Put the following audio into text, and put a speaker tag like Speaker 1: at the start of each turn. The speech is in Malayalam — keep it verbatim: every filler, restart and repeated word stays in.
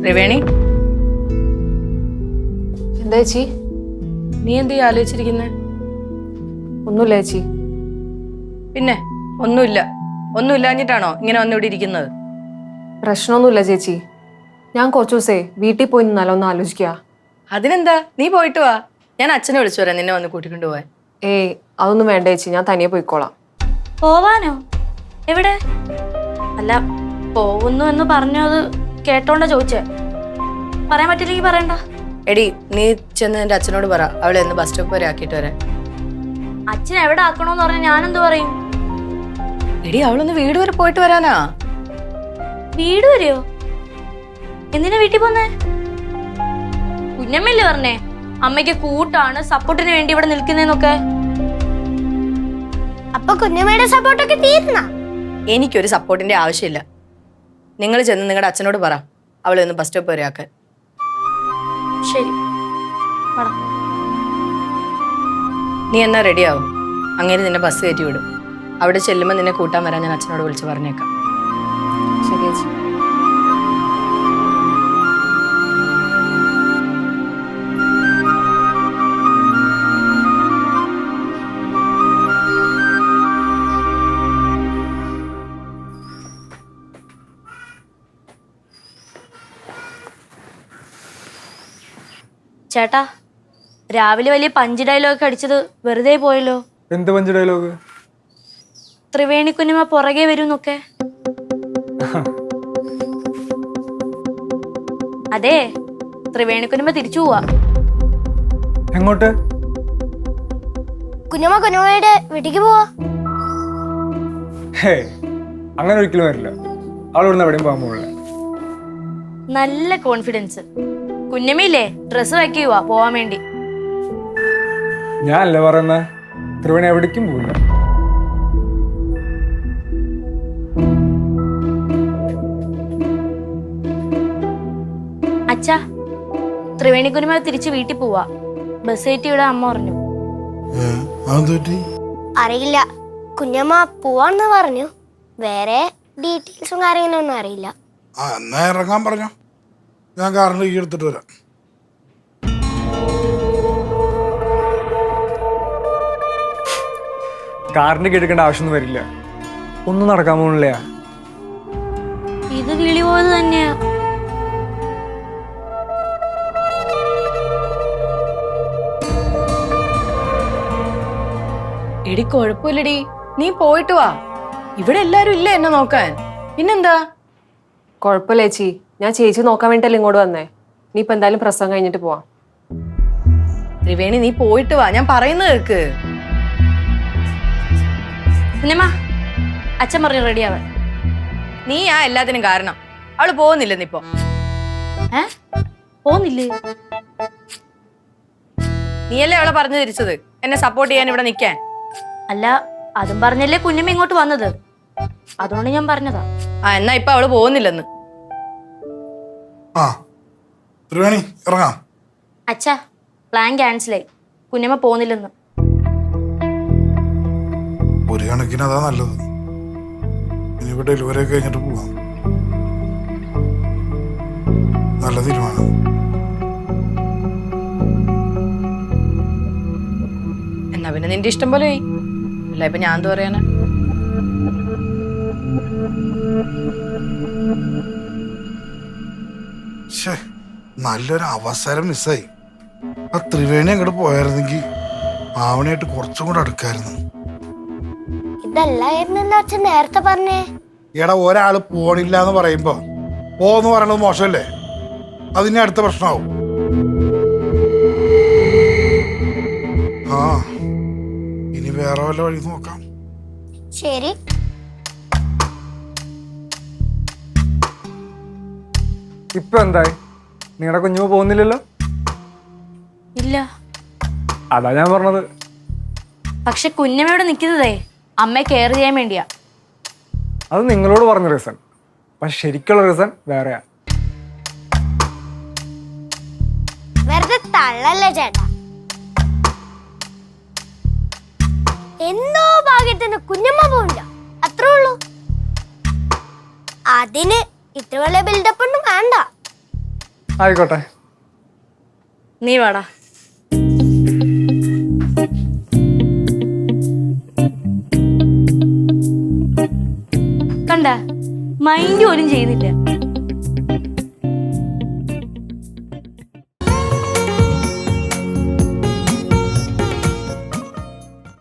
Speaker 1: ത്രിവേണി,
Speaker 2: എന്താ ചേച്ചി?
Speaker 1: നീ എന്ത് ആലോചിച്ചിരിക്കുന്നെ?
Speaker 2: ഒന്നുമില്ല ചേച്ചി.
Speaker 1: പിന്നെ ഒന്നുമില്ല ഒന്നുമില്ലാഞ്ഞിട്ടാണോ ഇങ്ങനെ വന്നിവിടെ ഇരിക്കുന്നത്?
Speaker 2: പ്രശ്നമൊന്നുമില്ല ചേച്ചി. ഞാൻ കുറച്ചു ദിവസേ വീട്ടിൽ പോയി നിന്നാലോ ഒന്ന് ആലോചിക്കുക.
Speaker 1: അതിനെന്താ, നീ പോയിട്ട് വാ. ഞാൻ അച്ഛനെ വിളിച്ചു വരാം നിന്നെ വന്ന് കൂട്ടിക്കൊണ്ടു പോവാൻ.
Speaker 2: ഏയ് അതൊന്നും വേണ്ട ചേച്ചി, ഞാൻ തനിയെ പോയിക്കോളാം.
Speaker 3: പോവാനോ? എവിടെ? അല്ല, പോകുന്നു എന്ന് പറഞ്ഞത് കേട്ടോണ്ടാ ചോദിച്ചേ. പറയാൻ പറ്റില്ലെങ്കിൽ പറയണ്ട.
Speaker 1: എടി, നീ ചെന്ന് എന്റെ അച്ഛനോട് പറ അവളെ ഒന്ന് ബസ് സ്റ്റോപ്പ് വരെ ആക്കിയിട്ട് വരാൻ.
Speaker 3: അച്ഛൻ എവിടെ ആക്കണോന്ന് പറഞ്ഞാൽ ഞാനെന്ത് പറയും?
Speaker 1: എടി, അവളൊന്ന് വീട് വരെ പോയിട്ട് വരാനാ.
Speaker 3: വീട് വരെയോ? എന്തിനാ വീട്ടിൽ പോന്നേ? കുഞ്ഞമ്മല്ലേ പറഞ്ഞേ അമ്മയ്ക്ക് കൂട്ടാണ്, സപ്പോർട്ടിന് വേണ്ടി ഇവിടെ നിൽക്കുന്നേന്നൊക്കെ.
Speaker 4: അപ്പൊ കുഞ്ഞമ്മയുടെ സപ്പോർട്ടൊക്കെ തീർന്ന?
Speaker 1: എനിക്കൊരു സപ്പോർട്ടിന്റെ ആവശ്യമില്ല. നിങ്ങൾ ചെന്ന് നിങ്ങളുടെ അച്ഛനോട് പറ അവളെ ഒന്ന് ബസ് സ്റ്റോപ്പ് വരെ ആക്കാൻ.
Speaker 3: ശരി,
Speaker 1: നീ എന്നാ റെഡിയാവും. അങ്ങനെ നിന്നെ ബസ് കയറ്റി വിടും. അവിടെ ചെല്ലുമ്പോൾ നിന്നെ കൂട്ടാൻ വരാൻ ഞാൻ അച്ഛനോട് വിളിച്ച് പറഞ്ഞേക്കാം.
Speaker 2: ശരി ചേച്ചി.
Speaker 3: ചേട്ടാ, രാവിലെ വലിയ പഞ്ച് ഡയലോഗ് അടിച്ചത് വെറുതെ പോയല്ലോ.
Speaker 5: എന്ത് പഞ്ച് ഡയലോഗ്?
Speaker 3: ത്രിവേണി കുഞ്ഞമ്മ പുറകെ വരുന്നൊക്കെ. അതെ, ത്രിവേണി കുഞ്ഞമ്മ തിരിച്ചു പോവാ.
Speaker 5: എങ്ങോട്ട്?
Speaker 4: കുഞ്ഞമ്മ കുഞ്ഞമ്മയുടെ വീട്ടിക്ക് പോവാ.
Speaker 5: ഹേ, അങ്ങനെ ഒരിക്കലും വരില്ല. അവൾ ഇവിടുന്ന് എവിടെയും പോകാൻ പോകില്ല.
Speaker 3: നല്ല കോൺഫിഡൻസ്. കുഞ്ഞമ്മയില്ലേ ഡ്രസ് വയ്ക്കുക പോവാൻ വേണ്ടി.
Speaker 5: ഞാനല്ല പറയുന്ന, ത്രിവേണി എവിടേക്കും പോകില്ല.
Speaker 3: അച്ഛാ, ത്രിവേണി കുഞ്ഞമ്മ തിരിച്ച് വീട്ടിൽ പോവാ. ബസ് കയറ്റി ഇവിടെ അമ്മ പറഞ്ഞു.
Speaker 4: അറിയില്ല, കുഞ്ഞമ്മ പോവാന്ന് പറഞ്ഞു. വേറെ ഡീറ്റെയിൽസും കാര്യങ്ങളൊന്നും അറിയില്ല.
Speaker 6: ആ എന്നാ ഇറങ്ങാൻ പറഞ്ഞോ, ഞാൻ കാറിന് കീ എടുത്തിട്ട് വരാം.
Speaker 5: കാറിന്റെ കീ എടുക്കേണ്ട ആവശ്യമൊന്നും വരില്ല. ഒന്നും നടക്കാൻ പോണില്ല.
Speaker 3: ഇത് കിളി പോയത് തന്നെയാ.
Speaker 1: എടി, കുഴപ്പമില്ലടി, നീ പോയിട്ട് വാ. ഇവിടെ എല്ലാരും ഇല്ല എന്നെ നോക്കാൻ. പിന്നെന്താ?
Speaker 2: കുഴപ്പമില്ല ചേച്ചി, ഞാൻ ചേച്ചി നോക്കാൻ വേണ്ടിട്ടല്ലേ ഇങ്ങോട്ട് വന്നേ. നീ ഇപ്പൊ എന്തായാലും പ്രസവം കഴിഞ്ഞിട്ട് പോവാം.
Speaker 1: ത്രിവേണി, നീ പോയിട്ട് വാ, ഞാൻ പറയുന്നത് കേൾക്ക്.
Speaker 3: കുഞ്ഞമ്മ, അച്ഛൻ പറഞ്ഞു റെഡിയാവാൻ.
Speaker 1: നീ ആ എല്ലാത്തിനും കാരണം. അവള് പോകുന്നില്ലെന്നിപ്പോ.
Speaker 3: ഏ പോന്നില്ലേ?
Speaker 1: നീയല്ലേ അവളെ പറഞ്ഞു തിരിച്ചത് എന്നെ സപ്പോർട്ട് ചെയ്യാൻ ഇവിടെ നിൽക്കാൻ.
Speaker 3: അല്ല, അതും പറഞ്ഞല്ലേ കുഞ്ഞമ്മ ഇങ്ങോട്ട് വന്നത്. അതുകൊണ്ട് ഞാൻ പറഞ്ഞതാ.
Speaker 1: ആ എന്നാ ഇപ്പൊ അവള് പോകുന്നില്ലെന്ന്.
Speaker 6: ആ ത്രിവേണി, ഇറങ്ങാം.
Speaker 3: അച്ഛാ, പ്ലാൻ ക്യാൻസലായി. കുഞ്ഞമ്മ പോകുന്നില്ലെന്ന്.
Speaker 6: ഒരു കണക്കിന് അതാ നല്ലത്. ഇനിയിപ്പോ ഡെലിവറി ഒക്കെ കഴിഞ്ഞിട്ട് പോവാം. നല്ല തീരുമാനം.
Speaker 1: എന്നാ പിന്നെ നിന്റെ ഇഷ്ടം പോലെ അല്ല. ഇപ്പൊ ഞാൻ എന്താ പറയാനാ?
Speaker 6: നല്ലൊരു അവസരം മിസ്സായി. ആ ത്രിവേണി അങ്ങോട്ട് പോയായിരുന്നെങ്കിൽ ആവണയായിട്ട് കുറച്ചും കൂടെ അടുക്കായിരുന്നു.
Speaker 4: ഇതല്ലായിരുന്നു അച്ഛൻ നേരത്തെ പറഞ്ഞേ.
Speaker 6: എടാ, ഒരാള് പോണില്ല എന്ന് പറയുമ്പോ പോന്ന് പറയണത് മോശമല്ലേ? അതിന് അടുത്ത പ്രശ്നമാവും. ആ ഇനി വേറെ വല്ല വഴി നോക്കാം.
Speaker 4: ശരി.
Speaker 5: ഇപ്പൊ എന്തായി? നിങ്ങളുടെ കുഞ്ഞുമ പോകുന്നില്ലല്ലോ?
Speaker 3: ഇല്ല.
Speaker 5: അതാ ഞാൻ പറഞ്ഞത്.
Speaker 3: പക്ഷെ കുഞ്ഞമ്മയോട് നിൽക്കുന്നതേ അമ്മയെ കെയർ ചെയ്യാൻ വേണ്ടിയാ.
Speaker 5: അത് നിങ്ങളോട് പറഞ്ഞ റീസൺ. പക്ഷെ ശരിക്കുള്ള റീസൺ വേറെയാ.
Speaker 4: വെറുതെ തള്ളല്ലേ ചേട്ടാ. എന്തോ ഭാഗ്യത്തിന് കുഞ്ഞമ്മ പോവില്ല, അത്രേ ഉള്ളൂ. അതിന് ഇത്ര വലിയ ബിൽഡപ്പ് ഒന്നും വേണ്ട.
Speaker 5: ആയിക്കോട്ടെ.
Speaker 3: നീ വാടാ. കണ്ട മൈൻഡ് പോലും ചെയ്യുന്നില്ല.